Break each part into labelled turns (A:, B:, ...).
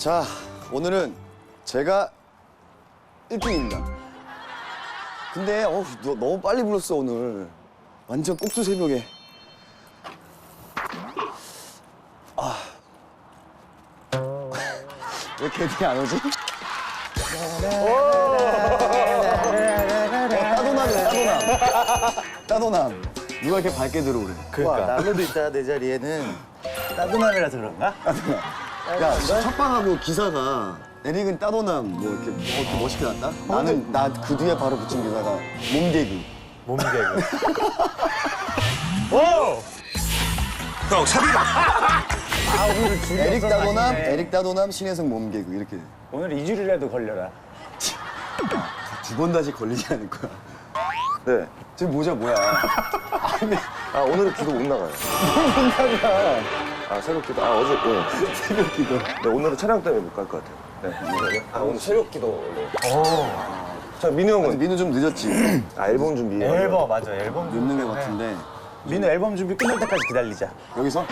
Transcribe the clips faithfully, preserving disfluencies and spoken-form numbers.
A: 자, 오늘은 제가 일 등입니다. 근데 어, 너, 너무 빨리 불렀어, 오늘. 완전 꼭두 새벽에. 아. 왜 걔들이 안 오지? 어, 따도남이네, 따도남. 따도남. 누가 이렇게 밝게 들어오래.
B: 그러니까. 나무도 있다, 내 자리에는. 따뜻함이라서 그런가?
A: 야, 첫방하고 기사가 에릭은 따도남 뭐 이렇게, 뭐 이렇게 멋있게 났다? 나는 나 그 뒤에 바로 붙인 기사가 몸개그.
B: 몸개그. 오!
C: 형, 사비가.
B: 아, 오늘 줄이
A: 에릭
B: 없어서
A: 따도남,
B: 아쉽네.
A: 에릭 따도남, 신혜성 몸개그 이렇게.
B: 오늘 이 줄이라도 걸려라.
A: 두 번 다시 걸리지 않을 거야.
C: 네.
A: 지금 모자 뭐야? 아니,
C: 아, 오늘은 기도 못 나가요.
A: 못 나가.
C: 아, 새벽 기도. 아, 어제, 네.
A: 새벽 기도.
C: 네, 오늘은 촬영 때문에 못 갈 것 같아요. 네. 아, 오늘 새벽 기도. 네. 오. 자, 민우
A: 아니,
C: 형은?
A: 민우 좀 늦었지?
C: 아, 앨범 준비.
B: 앨범, 맞아, 앨범.
A: 늦는 것 같은데.
B: 민우 앨범 준비 끝날 때까지 기다리자.
A: 여기서?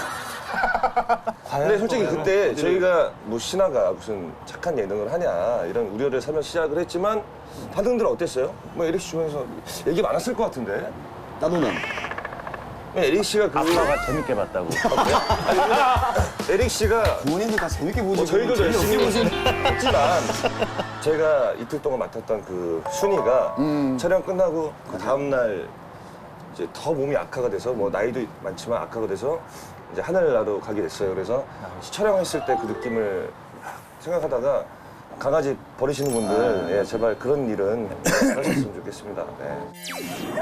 C: 근데 솔직히 그때 저희가 뭐 신화가 무슨 착한 예능을 하냐 이런 우려를 사며 시작을 했지만 반응들 어땠어요? 뭐 에릭 씨 중에서 얘기 많았을 것 같은데.
A: 따도남.
C: 에릭 씨가 그
B: 아빠가 재밌게 봤다고.
C: 에릭 씨가
A: 부모님들 다 재밌게 보지.
C: 뭐 저희도 열심히 했지만 제가 이틀 동안 맡았던 그 순이가
A: 음.
C: 촬영 끝나고 그 다음 날 이제 더 몸이 악화가 돼서 뭐 나이도 많지만 악화가 돼서 이제 하늘나라로 가게 됐어요. 그래서 촬영했을 때 그 느낌을 생각하다가 강아지 버리시는 분들 예, 제발 그런 일은 하셨으면 좋겠습니다. 네.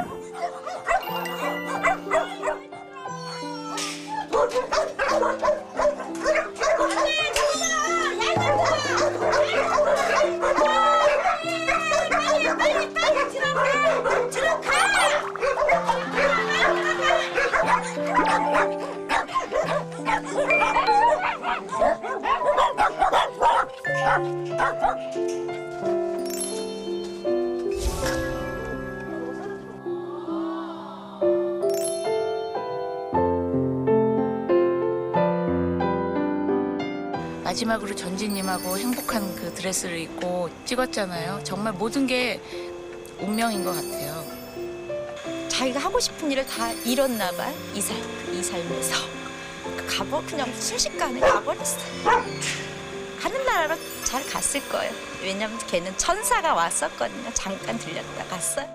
D: 마지막으로 전지님하고 행복한 그 드레스를 입고 찍었잖아요. 정말 모든 게 운명인 것 같아요.
E: 자기가 하고 싶은 일을 다 이뤘나 봐. 이 삶, 이 삶에서. 가버 그냥 순식간에 가버렸어. 하늘나라로 잘 갔을 거예요. 왜냐면 걔는 천사가 왔었거든요. 잠깐 들렸다 갔어요.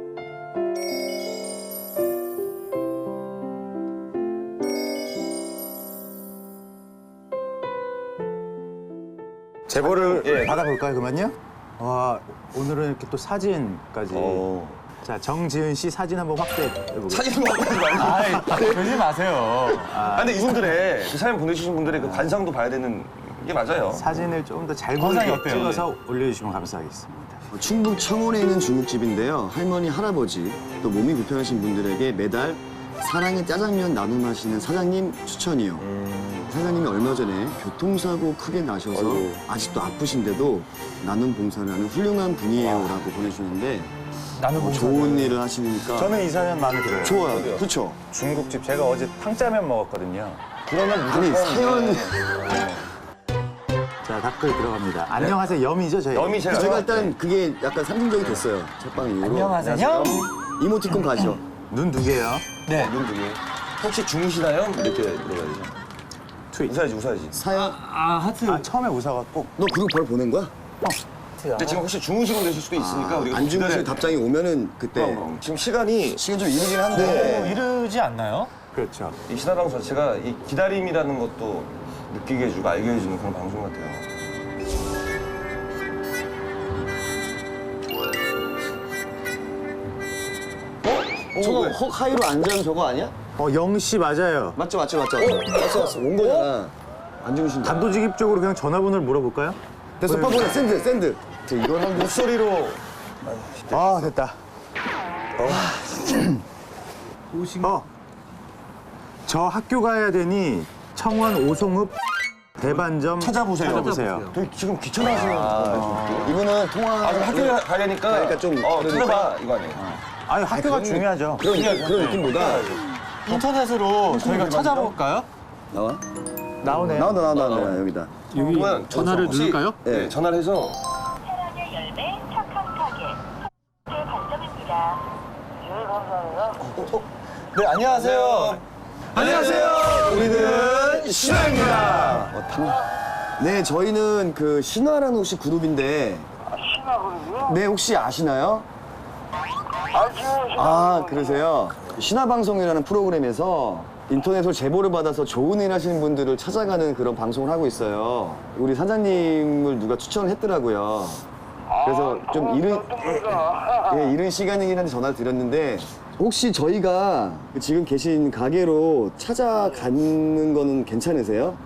C: 제보를 예.
B: 받아볼까요, 그러면요? 와, 오늘은 이렇게 또 사진까지.
C: 어.
B: 자, 정지은 씨 사진 한번 확대해보겠습니다.
C: 사진 먹는 거 아니에요?
B: 아이, 그러지 마세요.
C: 아, 근데 이분들의 그 사연 보내주신 분들의 그 관상도 봐야 되는 게 맞아요.
B: 사진을 좀 더 잘
F: 관상이
B: 보이게
F: 어때요?
B: 찍어서 올려주시면 감사하겠습니다.
A: 충북 청원에 있는 중국집인데요. 할머니, 할아버지, 또 몸이 불편하신 분들에게 매달 사랑의 짜장면 나눔하시는 사장님 추천이요.
C: 음.
A: 사장님이 얼마 전에 교통사고 크게 나셔서
C: 아이고.
A: 아직도 아프신데도 나눔 봉사를 하는 훌륭한 분이에요라고 보내주셨는데
F: 나는
A: 어, 좋은 일을 하시니까
B: 저는 이 사연 마음에 들어요.
A: 좋아요. 그렇죠?
B: 중국집 제가 어제 탕짜면 먹었거든요.
C: 그러면
A: 아니
C: 무조건
A: 사연
B: 자, 댓글 들어갑니다. 안녕하세요, 염이죠, 저희?
C: 염이 제가
A: 제가 일단 그게 약간 상징적이 됐어요. 첫방 이후로.
F: 안녕하세요.
A: 이모티콘 가죠.
B: 눈 두 개요.
F: 네.
C: 눈 두개 혹시 주무시나요? 이렇게 물어봐야죠.
B: 트윗.
C: 웃어야지 웃어야지.
A: 사연.
F: 아, 하트.
B: 아, 처음에 웃어갖고.
A: 너 그거 바로 보낸 거야?
C: 근데 지금 혹시 주무시고 계실 수도 있으니까 우리가
A: 안 주무시고
C: 기다려-
A: 답장이 오면은 그때
C: 그럼, 그럼. 지금 시간이
A: 시간 좀 이르긴
F: 어,
A: 한데.
F: 이르지 않나요?
B: 그렇죠.
C: 이 신화방송 자체가 이 기다림이라는 것도 느끼게 해주고 알게 해주는 그런 방송 같아요.
A: 저거 헉 하이로 안전 저거 아니야?
B: 어, 영씨 맞아요.
A: 맞죠, 맞죠, 맞죠. 왔어, 왔어. 온 거잖아. 안 주무신다.
B: 단도직입적으로 그냥 전화번호를 물어볼까요?
A: 됐어, 빨리 보내. 샌드, 샌드. 저 이걸 한 거.
C: 목소리로
B: 아, 됐다. 어. 저 학교 가야 되니 청원 오송읍 대반점
C: 찾아보세요.
B: 찾아보세요.
C: 되게 지금 귀찮아하시는 분인데.
A: 이분은 통화.
C: 아, 좀 학교 가려니까
A: 그러니까 좀
C: 어,
A: 그러니까.
C: 들어봐 이거 아니에요.
B: 아니, 학교가 중요하죠.
A: 그런, 느낌, 그런 느낌보다.
F: 인터넷으로 저희가 찾아볼까요?
A: 나와?
B: 나오네요.
A: 나온다, 나온다, 나온다. 여기다.
F: 여기
C: 그러면
F: 전화를
C: 혹시-
F: 누를까요?
C: 네, 전화를 해서
G: 사랑의 열매 착한 가게 네 반점입니다. 예 감사합니다.
B: 네, 안녕하세요.
A: 안녕하세요. 우리는 신화입니다. 어, 당... 네, 저희는 그 신화라는 혹시 그룹인데
G: 신화거든요.
A: 네, 혹시 아시나요?
G: 알죠.
A: 아, 그러세요? 신화방송이라는 프로그램에서 인터넷으로 제보를 받아서 좋은 일 하시는 분들을 찾아가는 그런 방송을 하고 있어요. 우리 사장님을 누가 추천을 했더라고요. 그래서 좀 이른, 예, 이른 시간이긴 한데 전화를 드렸는데 혹시 저희가 지금 계신 가게로 찾아가는 거는 괜찮으세요?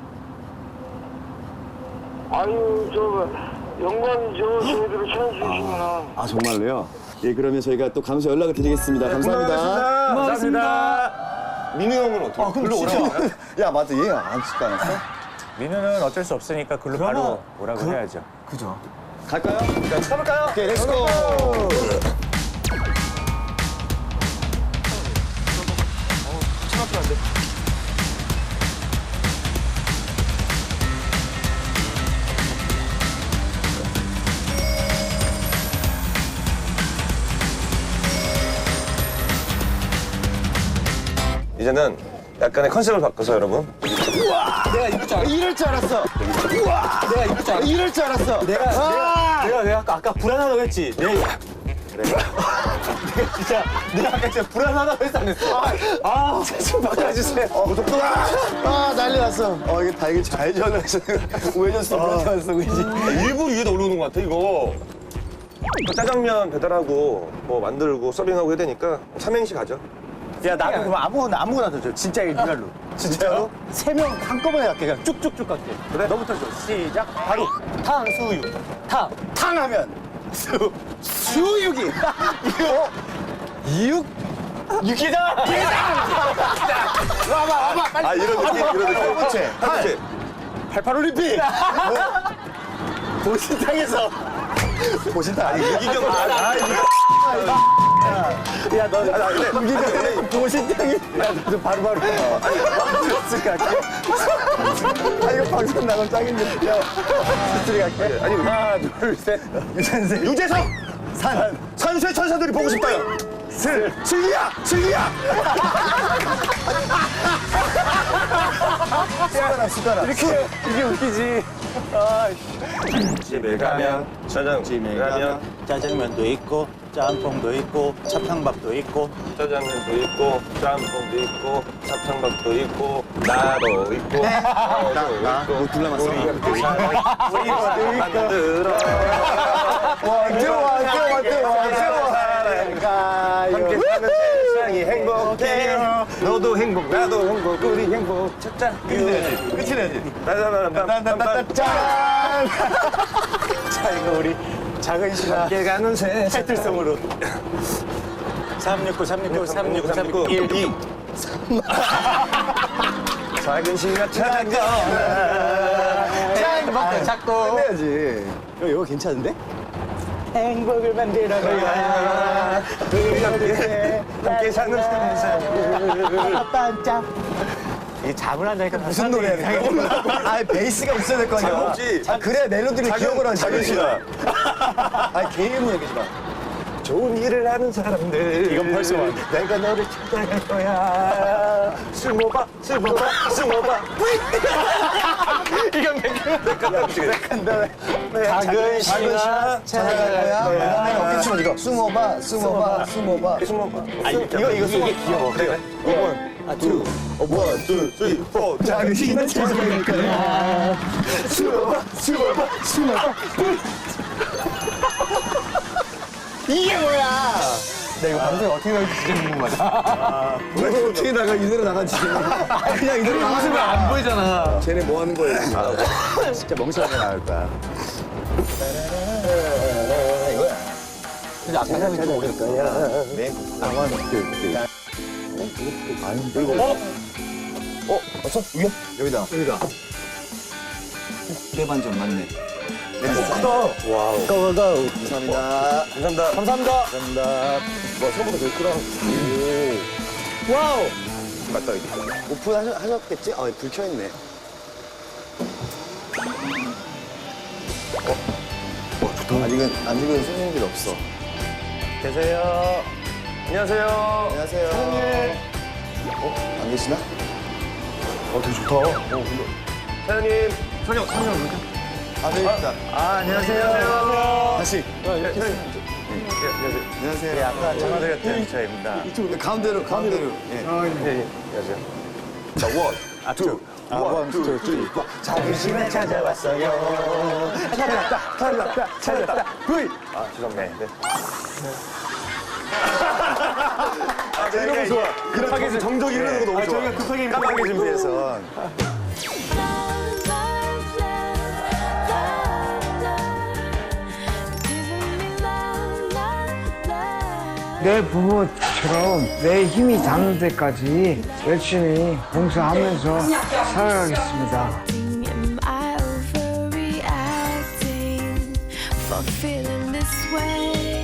G: 아유 저 영광이죠. 저희들을 찾아주시면.
A: 아, 정말로요? 예, 그러면 저희가 또 가면서 연락을 드리겠습니다. 감사합니다.
C: 고맙습니다. 민우 형은 어떻게?
A: 아, 그럼 진짜. 야, 맞다. 얘 안 찍지 않았어?
F: 민우는 어쩔 수 없으니까 글로 바로 오라고 해야죠.
A: 그죠. 갈까요?
C: 가볼까요?
A: 오케이, 렛츠고!
C: 차 앞에 안 돼. 이제는 약간의 컨셉을 바꿔서 여러분
A: 내가 이럴 줄 알았어. 이럴 줄 알았어. 우와! 내가 이럴 줄 알았어. 이럴 줄 알았어.
B: 내가, 내가, 내가, 내가 아까, 아까 불안하다고 했지. 내가, 내가 진짜, 내가 아까 진짜 불안하다고 했어, 안 했어?
A: 아, 좀 바꿔주세요. 어, 독도가! 아, 난리 났어. 어, 이게 다 이게 잘 전화하셔. 우회전수 불안했어, 그지?
C: 일부러 위에다 올려놓은 것 같아 이거. 짜장면 배달하고 뭐 만들고 서빙하고 해야 되니까 삼행시 가죠.
B: 야, 나도 그럼 아무거나, 아무거나 더 줘. 진짜 리얼로. 진짜로? 세 명 한꺼번에 갈게. 그냥 쭉쭉쭉 갈게. 그래? 너부터 줘. 시작. 바로. 탕수육. 탕. 탕하면. 수. 수육이. 이거. 육. 육이다. 와봐, 와봐. 빨리.
C: 아 이런 느낌 이런 느낌.
A: 첫 번째.
C: 팔.
B: 팔팔 올림픽. 보신탕에서.
A: 보신다. 아니,
C: 유기경. 아,
B: 야, 너.
C: 아, 근데
B: 우기가 보신탕이. 야, 너 바로바로. 들었을까?
A: 아, 이거 방송 나가면 짱인데. 야, 스트리 갈게.
C: 아니
B: 하나, 둘, 셋. 유산세.
C: 유재석
B: 산.
C: 선수의 천사들이 보고 싶다요.
B: 슬.
C: 슬기야 슬기야.
A: 숟가락, 숟가락.
B: 이렇게, 이게 웃기지. 아,
C: 집에 가면 짜장집에 가면
B: 짜장면도 있고, 짬뽕도 있고, 차탕밥도 있고.
C: 짜장면도 있고 짬뽕도 있고 사탕밥도 있고 나도 있고 나도
A: 나,
C: 있고
A: 뭐 둘 남았어.
C: 우리가 만들어
A: 완전, 완전, 완전, 완전.
C: 함께 사는 세상이 행복해요. 너도 행복 나도 행복 우리 행복 찾자.
B: 끝이 내야지.
C: 따다다다다다다.
B: 짠! 자, 이거 우리 작은 신화
C: 함께 가는 세상.
B: 타이틀성으로. 삼육구, 삼육구, 삼육구, 삼육구, 일, 이.
C: 작은 신가 찾아가.
B: 짠! 자꾸.
A: 해야지.
B: 이거, 이거 괜찮은데? 행복을 만들어야
C: 우리 함께 함께 사는 세상.
B: 반짝. 이게 잠을 안 자니까
A: 무슨 노래야, 이거? 아, 베이스가 있어야 될 거 아니야.
C: 작업지.
A: 아, 그래야 멜로디를 기억을 하지.
C: 작은 신화.
A: 아, 개인은 얘기지 마.
C: 좋은 일을 하는 사람들.
B: 이건 벌써 와.
C: 내가 너를 찾아갈 거야. 술 먹어봐, 술 먹어봐, 술 먹어봐.
B: 이건
C: 작은 신화
A: 찾아갈 거야. 그다음에 어깨춤을 이거. 숨어봐, 숨어봐, 숨어봐.
C: 술 먹어봐.
B: 아, 이거, 이거, 이게 귀여워.
C: 그래. 원,
B: 아, 투.
C: 원, 투, 쓰리, 포.
A: 작은 신화 찾아갈 거야.
C: 숨어봐, 숨어봐, 숨어봐.
B: 이게 뭐야?
A: 나 이거 방송에 어떻게 나올지 진짜 궁금하다. 왜 어떻게 나가? 이대로 나가지. 그냥 이대로 나가면
B: 안 보이잖아.
A: 쟤네 뭐 하는 거예요? 진짜 멍청하게 나올 거야. 이거야.
B: 근데 아까 전에 좀 오래
A: 거야. 네. 아원 둘 아니 그리고 어? 어? 어서 위에? 여기다. 여기다. 대반전 맞네.
C: 크다. 와우.
B: 고고고.
A: 감사합니다.
C: 감사합니다.
B: 감사합니다.
A: 감사합니다.
C: 와, 처음부터 제일 크다.
B: 와우.
C: 맞다, 이거.
A: 오픈 하셨, 하셨겠지? 아, 불 켜있네.
C: 어, 좋다.
A: 아직은 아직은 손님들 없어.
F: 계세요.
C: 안녕하세요.
A: 안녕하세요. 어? 안 계시나?
C: 어, 되게 좋다. 어, 근데. 사장님, 사장, 사장 어디?
A: 아, 네, 있다.
F: 아, 안녕하세요.
C: 안녕하세요.
A: 다시.
C: 네, 사장님. 예, 안녕하세요.
A: 안녕하세요.
F: 네, 아까 전화드렸던 저입니다.
A: 네, 가운데로, 가운데로. 예.
C: 예, 예. 안녕하세요. 자, 원, 투,
A: 아, 원, 투, 쓰리, 포.
B: 자부심에 찾아왔어요. 찾았다, 찾았다, 찾았다. 브이.
C: 아, 죄송합니다. 네.
B: 아, 이런 거 좋아.
C: 급하게 좀 정적이 흐르는 거 너무 좋아.
B: 저희가 급하게 깜빡이 준비해서.
H: 내 부모처럼 내 힘이 닿는 데까지 열심히 봉사하면서 살아가겠습니다.
I: Am I overreacting for feeling this way?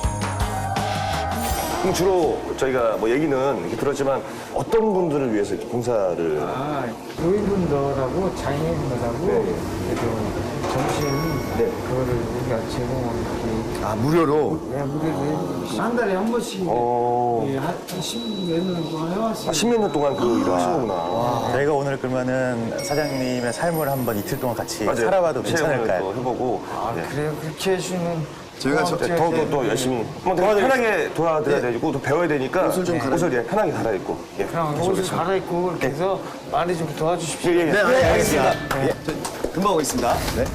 C: 그럼 주로 저희가 뭐 얘기는 이렇게 들었지만 어떤 분들을 위해서 이렇게 봉사를
H: 아, 노인분들하고 장애인분들하고 그래도 점심 그거를 우리가 제공하는
A: 아, 무료로?
H: 게 무료로 한 달에 한 번씩
C: 어...
H: 예, 한 십몇 년 동안 해왔어요.
C: 아, 십몇 년 동안 그 일을 하신 거구나.
F: 저희가 오늘 그러면은 사장님의 삶을 한번 이틀 동안 같이
C: 맞아요.
F: 살아봐도
C: 체험을
F: 괜찮을까요?
C: 또 해보고
H: 아,
C: 네.
H: 그래요? 그렇게 해주면
A: 저희가 저,
C: 더, 더, 더 열심히 한번 더 편하게 도와드려야 되고 또 배워야 되니까
A: 옷을 좀 갈아입-
C: 옷을 예, 편하게 갈아입고 예.
H: 그냥 옷을 갈아입고 이렇게 해서 많이 좀 도와주십시오.
C: 예, 예, 예.
A: 네, 알겠습니다. 예, 저, 금방 오겠습니다. 네.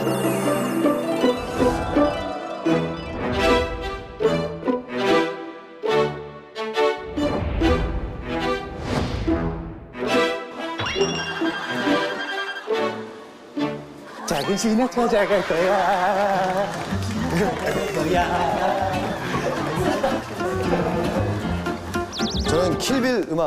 B: 작은 신을 찾아갈 거야.
A: 저는 킬빌 음악.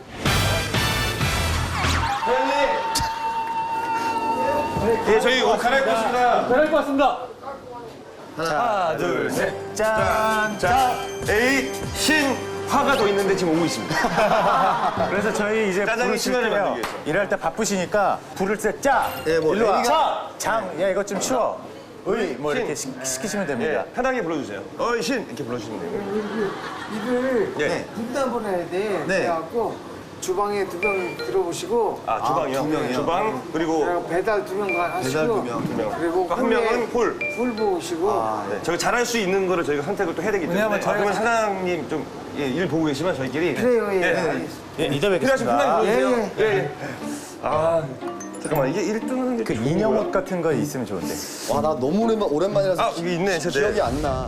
C: 예, 저희 옷 갈아입고 있습니다.
F: 하나, 둘, 셋. 짠!
C: 자, 에이, 신, 화가 더 있는데 지금 오고 있습니다.
F: 그래서 저희 이제
C: 짜장이
F: 부를 칠
C: 시간을
F: 때요.
C: 만들기 위해서.
F: 일할 때 바쁘시니까 부를 때 짜!
A: 예, 뭐
F: 일로 와.
A: 애기가-
F: 자! 장! 야, 이것 좀 치워. 의! 뭐 이렇게 시,
C: 신.
F: 시키시면
C: 예,
F: 됩니다.
C: 편하게 불러주세요. 어이, 신! 이렇게 불러주시면 돼요.
H: 이걸
C: 예.
H: 분담을 해야 돼.
A: 네.
H: 그래갖고 주방에 두 명 들어보시고
C: 아, 주방이요?
A: 두 명이요?
C: 주방, 그리고
H: 그리고 배달 두 명 하시고
A: 배달 두 명,
C: 두 명.
H: 그리고
C: 한 명은 홀.
H: 홀 보시고
C: 네, 저희가 잘할 수 있는 거를 저희가 선택을 또 해야 되기 때문에.
F: 왜냐하면
C: 아,
F: 저희가
C: 그러면 사장님 좀 일 보고 계시면 저희끼리.
H: 그래요. 예.
C: 예.
H: 알겠습니다.
F: 예, 이따
C: 필요하시면 편하게
F: 뵙겠습니다.
C: 불러주세요. 예, 예. 아, 잠깐만, 이게 일 등 하는 게.
F: 그
C: 좋은
F: 인형
C: 거야?
F: 옷 같은 거 있으면 좋은데.
A: 와, 나 너무 오랜만, 오랜만이라서
C: 아, 여기 있네,
A: 기-
C: 세대.
A: 기억이 안 나.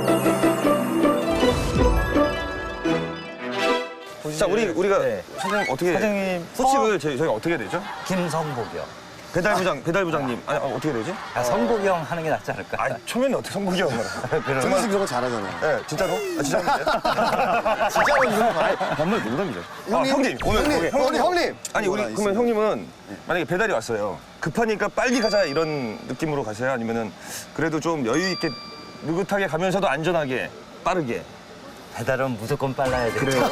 C: 자, 우리, 우리가
F: 네.
C: 사장님 어떻게.
F: 사장님,
C: 소식을 저희, 저희가 어떻게 해야 되죠?
J: 김성복이요.
C: 배달부장, 배달부장님. 아니, 어, 어떻게 되지?
J: 아, 성복이 형 하는 게 낫지 않을까?
C: 아, 초면에 어떻게 성국이 형을.
A: 정말 그런 거 잘하잖아.
C: 네, 진짜로? 아, 진짜인데요?
A: 진짜로 이런 거.
C: 아니, 정말 농담이죠.
A: 형님,
C: 아, 형님, 오늘
A: 형님,
C: 거기,
A: 형님, 형님.
C: 아니, 우리
A: 뭐가
C: 그러면 형님은 만약에 배달이 왔어요. 급하니까 빨리 가자 이런 느낌으로 가세요? 아니면은 그래도 좀 여유 있게 느긋하게 가면서도 안전하게 빠르게.
J: 배달은 무조건 빨라야 돼.
C: 그래요?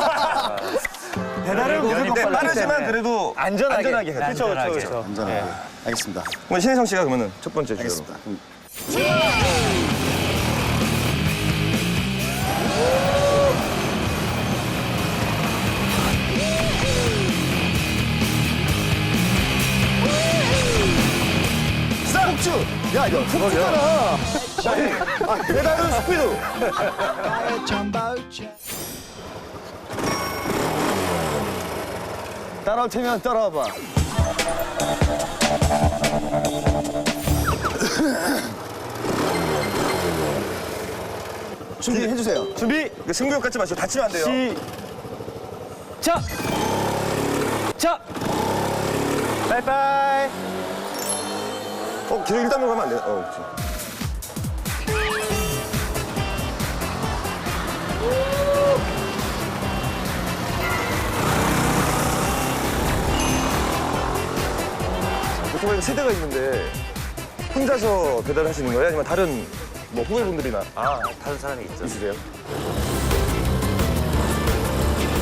C: 배달은
J: 무조건
C: 네,
J: 빨라야
C: 빠르지만
J: 때문에.
C: 그래도
F: 안전하게.
C: 안전하게 해야 돼요.
J: 안전하게.
C: 그렇죠, 그렇죠.
A: 안전하게. 알겠습니다.
C: 그러면 신혜성 씨가 그러면은 첫 번째 주제로.
A: 알겠습니다. 그럼 폭주! 야, 이거 폭주잖아.
C: 아, 배달은 스피드.
A: 따라올 테면 따라와봐. 준비해주세요.
C: 준비. 그 승부욕 갖지 마시고 다치면 안 돼요.
F: 자! 자! 바이바이!
C: 어, 계속 일 단으로 가면 안 돼요. 어, 그렇지. 오토바이가 세대가 있는데 혼자서 배달하시는 거예요? 아니면 다른 뭐 후배분들이나
J: 아, 다른 사람이 있죠.
C: 있으세요?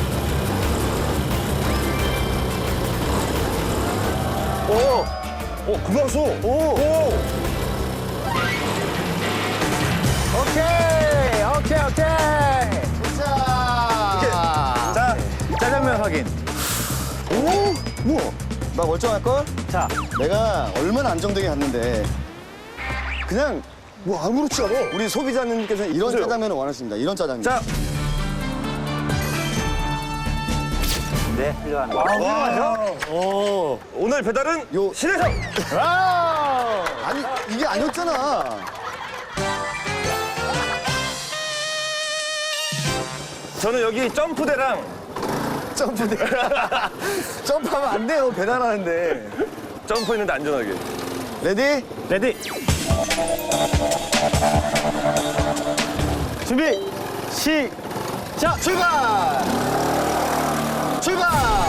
C: 오! 오! 오, 금방수. 오, 오.
B: 오케이, 오케이, 오케이.
A: 자,
B: 자, 짜장면 확인.
A: 오, 우와, 나 멀쩡할걸?
B: 자,
A: 내가 얼마나 안정되게 갔는데 그냥 뭐 아무렇지 않아. 우리 소비자님께서 이런
C: 보세요.
A: 짜장면을 원하십니다. 이런 짜장면.
C: 자,
J: 네, 훌륭한 거.
C: 오. 오늘 배달은
A: 요-
C: 신혜성.
A: 아니 이게 아니었잖아.
C: 저는 여기 점프대랑
A: 점프대. 점프하면 안 돼요. 배달하는데.
C: 점프했는데 안전하게.
A: 레디?
B: 레디. 준비, 시작.
A: 출발! 출발!